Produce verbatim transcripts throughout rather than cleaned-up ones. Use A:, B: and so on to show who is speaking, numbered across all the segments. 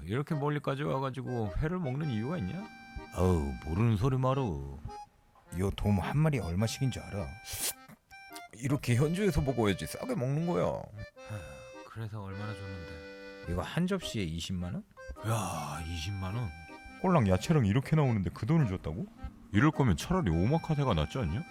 A: 이렇게 멀리까지 와가지고 회를 먹는 이유가 있냐? 어우 모르는 소리 마루. 요 돔 한 마리 얼마씩인 줄 알아? 이렇게 현지에서 먹어야지 싸게 먹는 거야. 하, 그래서 얼마나 줬는데? 이거 한 접시에 이십만 원? 야 이십만 원? 꼴랑 야채랑 이렇게 나오는데 그 돈을 줬다고? 이럴 거면 차라리 오마카세가 낫지 않냐?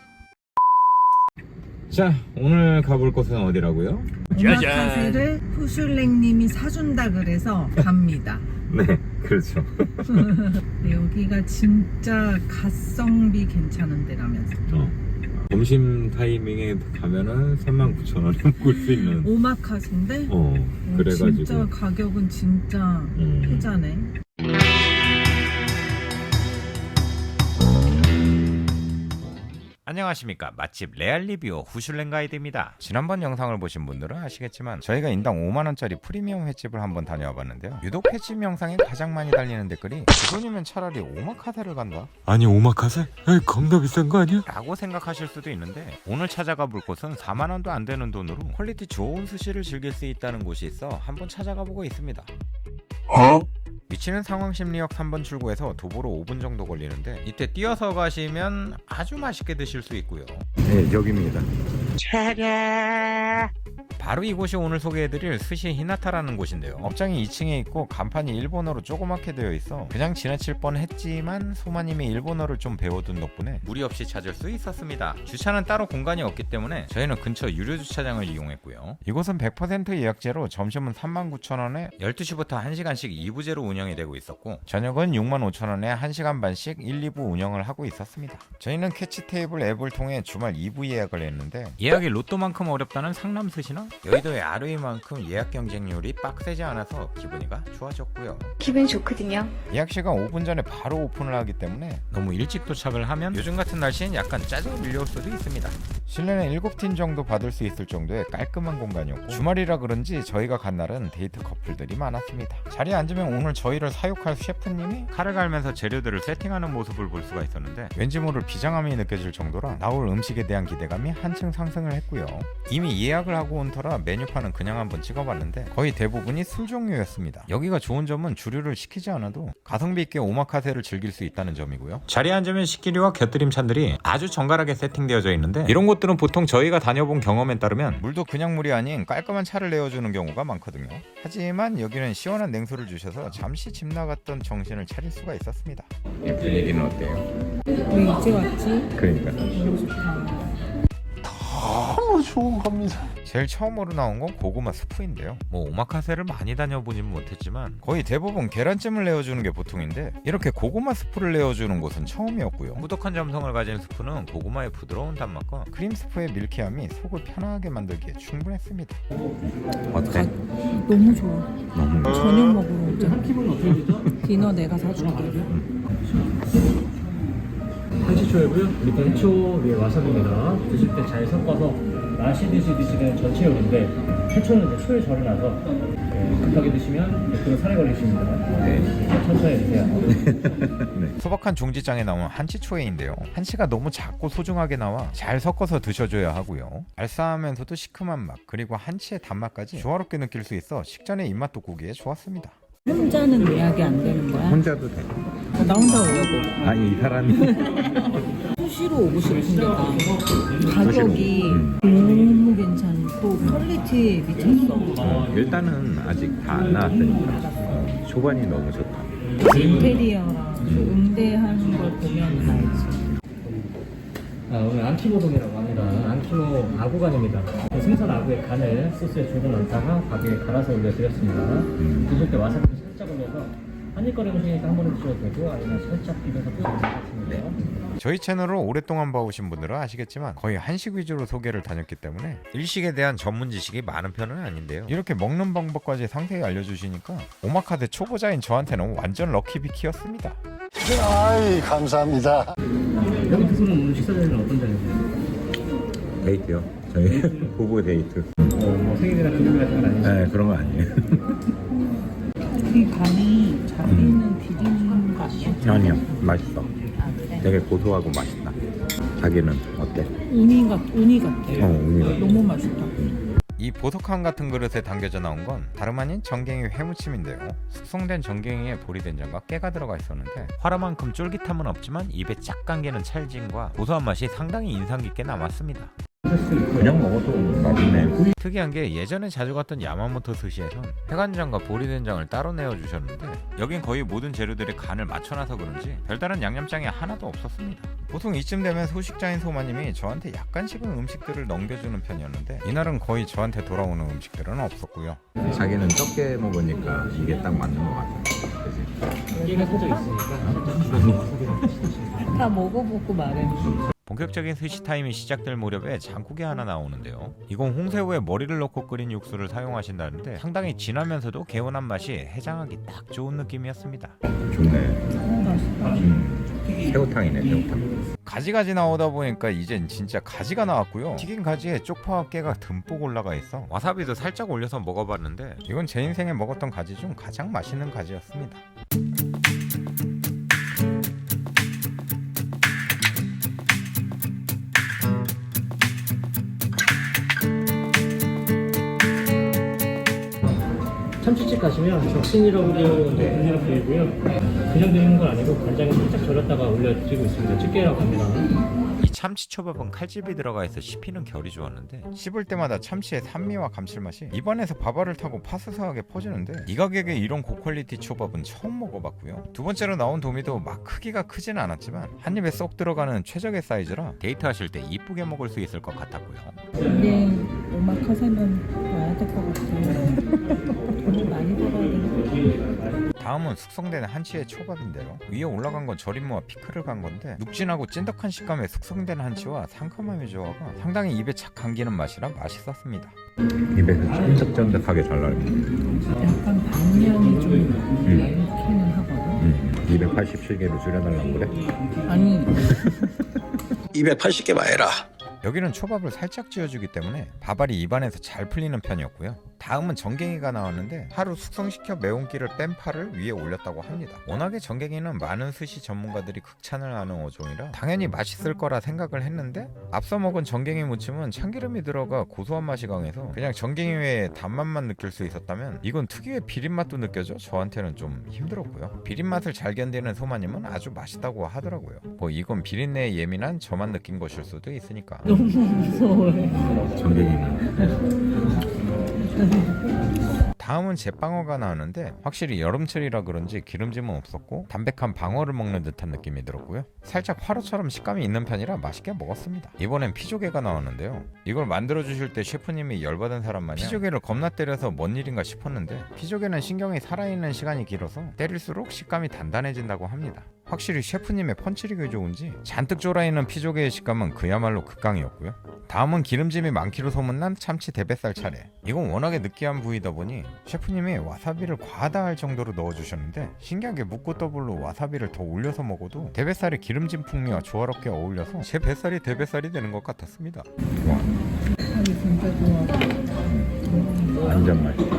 A: 자 오늘 가볼 곳은 어디라고요?
B: 오마카세를 후슐랭님이 사준다 그래서 갑니다.
A: 네 그렇죠.
B: 여기가 진짜 가성비 괜찮은 데라면서.
A: 어. 점심 타이밍에 가면은 삼만 구천 원에 먹을 수 있는
B: 오마카세인데
A: 어
B: 어,
A: 그래가지고
B: 진짜 가격은 진짜
A: 음.
B: 효자네.
A: 안녕하십니까. 맛집 레알리뷰 후슐랭 가이드입니다. 지난번 영상을 보신 분들은 아시겠지만 저희가 인당 오만 원짜리 프리미엄 횟집을 한번 다녀와 봤는데요. 유독 횟집 영상에 가장 많이 달리는 댓글이 그 돈이면 차라리 오마카세를 간다,
C: 아니 오마카세? 에이 겁나 비싼 거 아니야?
A: 라고 생각하실 수도 있는데 오늘 찾아가 볼 곳은 사만 원도 안 되는 돈으로 퀄리티 좋은 스시를 즐길 수 있다는 곳이 있어 한번 찾아가 보고 있습니다.
C: 어?
A: 위치는 상황심리역 삼 번 출구에서 도보로 오 분 정도 걸리는데 이때 뛰어서 가시면 아주 맛있게 드실 수 있고요. 네 여기입니다. 바로 이곳이 오늘 소개해드릴 스시 히나타라는 곳인데요. 업장이 이 층에 있고 간판이 일본어로 조그맣게 되어 있어 그냥 지나칠 뻔했지만 소마님이 일본어를 좀 배워둔 덕분에 무리 없이 찾을 수 있었습니다. 주차는 따로 공간이 없기 때문에 저희는 근처 유료 주차장을 이용했고요. 이곳은 백 퍼센트 예약제로 점심은 삼만 구천 원에 열두 시부터 한 시간씩 이 부제로 운영이 되고 있었고 저녁은 육만 오천 원에 한 시간 반씩 일, 이 부 운영을 하고 있었습니다. 저희는 캐치테이블 앱을 통해 주말 이 부 예약을 했는데 예약이 로또만큼 어렵다는 상남스시나 여의도의 아르이만큼 예약 경쟁률이 빡세지 않아서 기분이가 좋아졌고요.
D: 기분이 좋거든요.
A: 예약 시간 오 분 전에 바로 오픈을 하기 때문에 너무 일찍 도착을 하면 요즘 같은 날씨엔 약간 짜증이 밀려올 수도 있습니다. 실내는 일곱 팀 정도 받을 수 있을 정도의 깔끔한 공간이었고 주말이라 그런지 저희가 간 날은 데이트 커플들이 많았습니다. 자리에 앉으면 오늘 저희를 사육할 셰프님이 칼을 갈면서 재료들을 세팅하는 모습을 볼 수가 있었는데 왠지 모를 비장함이 느껴질 정도라 나올 음식에 대한 기대감이 한층 상승을 했고요. 이미 예약을 하고 온 터라 메뉴판은 그냥 한번 찍어봤는데 거의 대부분이 술 종류였습니다. 여기가 좋은 점은 주류를 시키지 않아도 가성비 있게 오마카세를 즐길 수 있다는 점이고요. 자리에 앉으면 식기류와 곁들임 찬들이 아주 정갈하게 세팅되어져 있는데 이런 곳들은 보통 저희가 다녀본 경험에 따르면 물도 그냥 물이 아닌 깔끔한 차를 내어주는 경우가 많거든요. 하지만 여기는 시원한 냉수를 주셔서 잠시 집 나갔던 정신을 차릴 수가 있었습니다. 이 분위기는 어때요?
B: 왜 이제 왔지?
A: 그러니까
B: 너무 좋다.
C: 너무 좋은 겁니다.
A: 제일 처음으로 나온 건 고구마 스프인데요. 뭐 오마카세를 많이 다녀보진 못했지만 거의 대부분 계란찜을 내어주는 게 보통인데 이렇게 고구마 스프를 내어주는 곳은 처음이었고요. 꾸덕한 점성을 가진 스프는 고구마의 부드러운 단맛과 크림 스프의 밀키함이 속을 편하게 만들기에 충분했습니다. 어때?
B: 너무 좋아.
A: 너무
B: 저녁 먹으러 오자. 디너 내가 사줄게.
E: 한치초이고요. 밑에 해초 위에 와사비입니다. 드실 때 잘 섞어서 마시듯이 드시는 전체 요리인데 해초는 이제 초에 절여놔서 네, 급하게 드시면 백 퍼센트 살에 걸리십니다. 네. 천천히 드세요.
A: 네. 소박한 종지장에 나온 한치초에인데요. 한치가 너무 작고 소중하게 나와 잘 섞어서 드셔줘야 하고요. 알싸하면서도 시큼한 맛 그리고 한치의 단맛까지 조화롭게 느낄 수 있어 식전에 입맛 돋구기에 좋았습니다.
B: 혼자는 예약이 안 되는 거야?
A: 혼자도 돼.
B: 어, 나 혼자 오려고.
A: 아니 이 사람이
B: 수시로 오고 싶은데가 가격이
A: 음.
B: 너무 괜찮고 퀄리티 미쳤어.
A: 일단은 아직 다 안 나왔으니까 어, 초반이 너무 좋다.
B: 인테리어랑 그 응대하는 걸 보면 알지.
E: 아, 오늘 안키모동이라고 합니다. 안키모 아구간입니다. 그 생선 아구의 간을 소스에 조금 넣다가 밥에 갈아서 올려드렸습니다.
A: 음.
E: 드실 때 와사비를 살짝 올려서 한입거리 음식이니까 한 번에 드셔도 되고 아니면 살짝 비벼서 드셔도 좋습니다.
A: 저희 채널을 오랫동안 봐오신 분들은 아시겠지만 거의 한식 위주로 소개를 다녔기 때문에 일식에 대한 전문 지식이 많은 편은 아닌데요. 이렇게 먹는 방법까지 상세히 알려주시니까 오마카세 초보자인 저한테는 완전 럭키비키였습니다.
C: 아이 감사합니다.
E: 여기 두 분은 오늘 식사 자리는 어떤 자리세요?
A: 데이트요. 저희 부부 데이트.
E: 어, 뭐 생일이나 기념일 같은 건 아니죠?
A: 네 그런 거 아니에요.
B: 이 간이 자기는 비린 거 아니야?
A: 아니요 맛있어.
B: 아 그래?
A: 되게 고소하고 맛있다. 자기는 어때?
B: 우니 같 우니 같아.
A: 어 우니가
B: 너무 맛있다.
A: 이 보석함 같은 그릇에 담겨져 나온 건 다름 아닌 정갱이 회무침인데요. 숙성된 정갱이에 보리된장과 깨가 들어가 있었는데 화라만큼 쫄깃함은 없지만 입에 쫙 감기는 찰짐과 고소한 맛이 상당히 인상 깊게 남았습니다.
D: 그냥 먹어도 맛있네.
A: 특이한 게 예전에 자주 갔던 야마모토 스시에선 회간장과 보리된장을 따로 내어주셨는데 여긴 거의 모든 재료들의 간을 맞춰놔서 그런지 별다른 양념장이 하나도 없었습니다. 보통 이쯤 되면 소식자인 소마님이 저한테 약간씩은 음식들을 넘겨주는 편이었는데 이날은 거의 저한테 돌아오는 음식들은 없었고요.
D: 자기는 적게 먹으니까 이게 딱 맞는 것 같아. 그치?
E: 끼가 살짝 있으니까
B: 다 먹어보고 말해.
A: 본격적인 스시 타임이 시작될 무렵에 장국이 하나 나오는데요. 이건 홍새우에 머리를 넣고 끓인 육수를 사용하신다는데 상당히 진하면서도 개운한 맛이 해장하기 딱 좋은 느낌이었습니다.
D: 좋네.
B: 어, 맛있다.
D: 음. 새우탕이네, 새우탕.
A: 가지가지 나오다 보니까 이젠 진짜 가지가 나왔고요. 튀긴 가지에 쪽파와 깨가 듬뿍 올라가 있어 와사비도 살짝 올려서 먹어봤는데 이건 제 인생에 먹었던 가지 중 가장 맛있는 가지였습니다.
E: 참치집 가시면 적신이라고 불리는 부위고요. 그냥 드리는 건 아니고 간장에 살짝 절였다가 올려드리고 있습니다. 집게라고 합니다.
A: 이 참치초밥은 칼집이 들어가 있어 씹히는 결이 좋았는데 씹을 때마다 참치의 산미와 감칠맛이 입안에서 밥알을 타고 파스스하게 퍼지는데 이 가격에 이런 고퀄리티 초밥은 처음 먹어봤고요. 두 번째로 나온 도미도 막 크기가 크지는 않았지만 한 입에 쏙 들어가는 최적의 사이즈라 데이트하실 때 이쁘게 먹을 수 있을 것 같았고요.
B: 근데 오마카세는 와야 될 것 같아. 돈이 많이 들어야 되는.
A: 다음은 숙성된 한치의 초밥인데요. 위에 올라간 건 절임무와 피클을 간 건데 눅진하고 찐득한 식감의 숙성된 한치와 상큼함의 조화가 상당히 입에 착 감기는 맛이라 맛있었습니다.
D: 입에서 쫀득쫀득하게 잘 나올 것
B: 약간 방향이 좀
D: 음.
B: 많기는 하거든.
D: 음. 이백팔십칠 개로 줄여달라고 그래?
B: 아니
C: 이백팔십 개 마해라.
A: 여기는 초밥을 살짝 쥐어주기 때문에 밥알이 입안에서 잘 풀리는 편이었고요. 다음은 정갱이가 나왔는데 하루 숙성시켜 매운기를 뺀 파를 위에 올렸다고 합니다. 워낙에 정갱이는 많은 스시 전문가들이 극찬을 하는 어종이라 당연히 맛있을 거라 생각을 했는데 앞서 먹은 정갱이 무침은 참기름이 들어가 고소한 맛이 강해서 그냥 정갱이 외에 단맛만 느낄 수 있었다면 이건 특유의 비린맛도 느껴져 저한테는 좀 힘들었고요. 비린맛을 잘 견디는 소마님은 아주 맛있다고 하더라고요. 뭐 이건 비린내에 예민한 저만 느낀 것일 수도 있으니까.
B: 너무 무서워해.
D: 전갱이는.
A: 다음은 제빵어가 나오는데 확실히 여름철이라 그런지 기름짐은 없었고 담백한 방어를 먹는 듯한 느낌이 들었고요. 살짝 화로처럼 식감이 있는 편이라 맛있게 먹었습니다. 이번엔 피조개가 나왔는데요. 이걸 만들어주실 때 셰프님이 열받은 사람 마냥 피조개를 겁나 때려서 뭔 일인가 싶었는데 피조개는 신경이 살아있는 시간이 길어서 때릴수록 식감이 단단해진다고 합니다. 확실히 셰프님의 펀치력이 좋은지 잔뜩 졸아있는 피조개의 식감은 그야말로 극강이었고요. 다음은 기름짐이 많기로 소문난 참치 대뱃살 차례. 이건 워낙에 느끼한 부위다 보니 셰프님이 와사비를 과하다 할 정도로 넣어주셨는데 신기하게 묵고 더블로 와사비를 더 올려서 먹어도 대뱃살의 기름진 풍미와 조화롭게 어울려서 제 뱃살이 대뱃살이 되는 것 같았습니다.
B: 아니 진짜 좋아.
D: 완전 맛있어.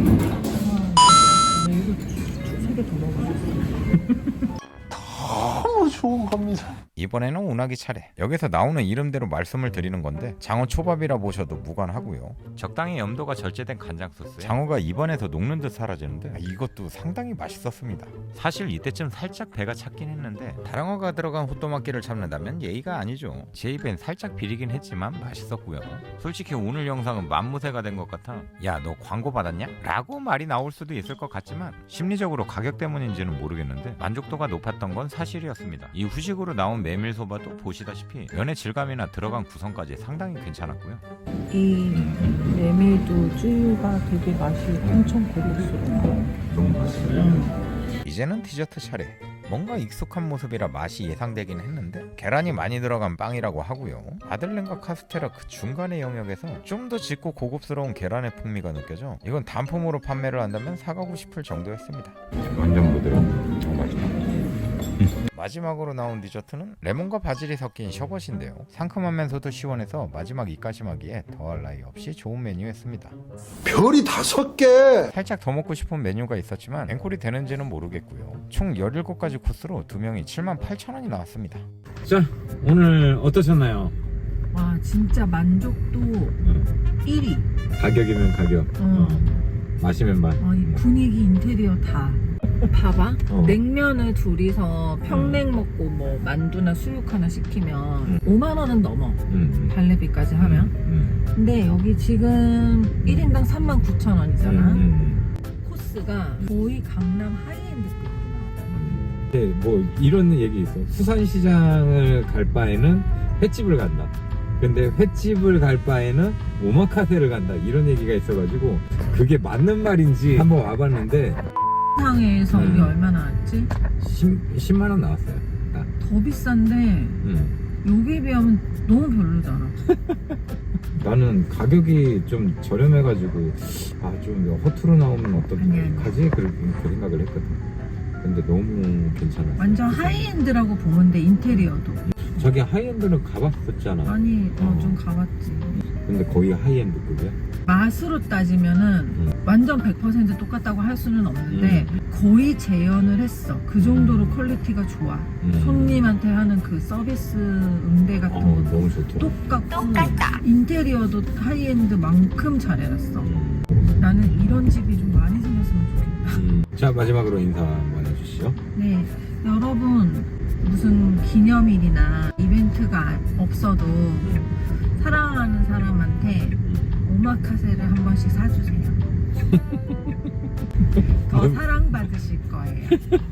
B: 나 이거 세 개 더 먹어.
C: 너무 좋은 겁니다.
A: 이번에는 운하기 차례. 여기서 나오는 이름대로 말씀을 드리는 건데 장어 초밥이라 보셔도 무관하고요. 적당히 염도가 절제된 간장 소스에 장어가 입안에서 녹는 듯 사라지는데 이것도 상당히 맛있었습니다. 사실 이때쯤 살짝 배가 찼긴 했는데 다랑어가 들어간 호또막기를 참는다면 예의가 아니죠. 제 입엔 살짝 비리긴 했지만 맛있었고요. 솔직히 오늘 영상은 만무새가 된 것 같아 야 너 광고 받았냐? 라고 말이 나올 수도 있을 것 같지만 심리적으로 가격 때문인지는 모르겠는데 만족도가 높았던 건 사실이었습니다. 이 후식으로 나온 메밀소바도 보시다시피 면의 질감이나 들어간 구성까지 상당히 괜찮았고요.
B: 이 메밀도 쯔유가 되게 맛이 엄청 고급스러워.
D: 너무 맛있어.
B: 음.
A: 이제는 디저트 차례. 뭔가 익숙한 모습이라 맛이 예상되긴 했는데 계란이 많이 들어간 빵이라고 하고요. 아들렌과 카스테라 그 중간의 영역에서 좀 더 짙고 고급스러운 계란의 풍미가 느껴져 이건 단품으로 판매를 한다면 사가고 싶을 정도였습니다.
D: 완전 부드러워. 너무 맛있다.
A: 마지막으로 나온 디저트는 레몬과 바질이 섞인 셔벗인데요. 상큼하면서도 시원해서 마지막 입가심하기에 더할 나위 없이 좋은 메뉴였습니다.
C: 별이 다섯 개.
A: 살짝 더 먹고 싶은 메뉴가 있었지만 앵콜이 되는지는 모르겠고요. 총 열일곱 가지 코스로 두 명이 칠만 팔천 원이 나왔습니다.
E: 자, 오늘 어떠셨나요?
B: 와 진짜 만족도
D: 어.
B: 일 위.
D: 가격이면 가격.
B: 어.
D: 어. 마시면 맛.
B: 어, 이 분위기 인테리어 다. 봐봐.
D: 어.
B: 냉면을 둘이서 평냉 먹고 뭐 만두나 수육 하나 시키면
D: 음.
B: 오만 원은 넘어.
D: 음.
B: 발레비까지 하면.
D: 음.
B: 근데 여기 지금 일 인당 삼만 구천 원이잖아.
D: 음. 음.
B: 코스가 거의 강남 하이엔드급으로 나와.
D: 근데 뭐 이런 얘기 있어. 수산시장을 갈 바에는 횟집을 간다. 근데 횟집을 갈 바에는 오마카세를 간다. 이런 얘기가 있어가지고 그게 맞는 말인지 한번 와봤는데
B: 상에서
D: 음.
B: 우리 얼마나 왔지?
D: 십만 원 나왔어요. 딱.
B: 더 비싼데
D: 음.
B: 여기에 비하면 너무 별로잖아.
D: 나는 가격이 좀 저렴해가지고 아 좀 허투루 나오면
B: 아니, 아니.
D: 어떡하지? 그렇게 그 생각을 했거든. 근데 너무 괜찮았어.
B: 완전 하이엔드라고 보면 돼. 인테리어도.
D: 저기 하이엔드는 가봤었잖아.
B: 아니 어,
D: 어.
B: 좀 가봤지.
D: 근데 거의 하이엔드급이야.
B: 맛으로 따지면은
D: 음.
B: 완전 백 퍼센트 똑같다고 할 수는 없는데
D: 음.
B: 거의 재현을 했어. 그 정도로 퀄리티가 좋아.
D: 음.
B: 손님한테 하는 그 서비스 응대 같은
D: 어,
B: 것도
D: 너무 좋더라.
B: 똑같고 인테리어도 하이엔드만큼 잘해놨어.
D: 음.
B: 나는 이런 집이 좀 많이 생겼으면 좋겠다.
D: 음. 자 마지막으로 인사 한번 해주시죠.
B: 네, 여러분 무슨 기념일이나 이벤트가 없어도 사랑하는 사람한테 오마카세를 한 번씩 사주세요. 더 사랑받으실 거예요.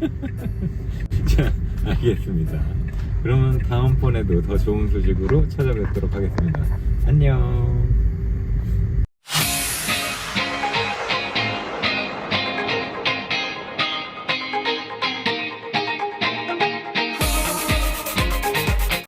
D: 자 알겠습니다. 그러면 다음번에도 더 좋은 소식으로 찾아뵙도록 하겠습니다. 안녕.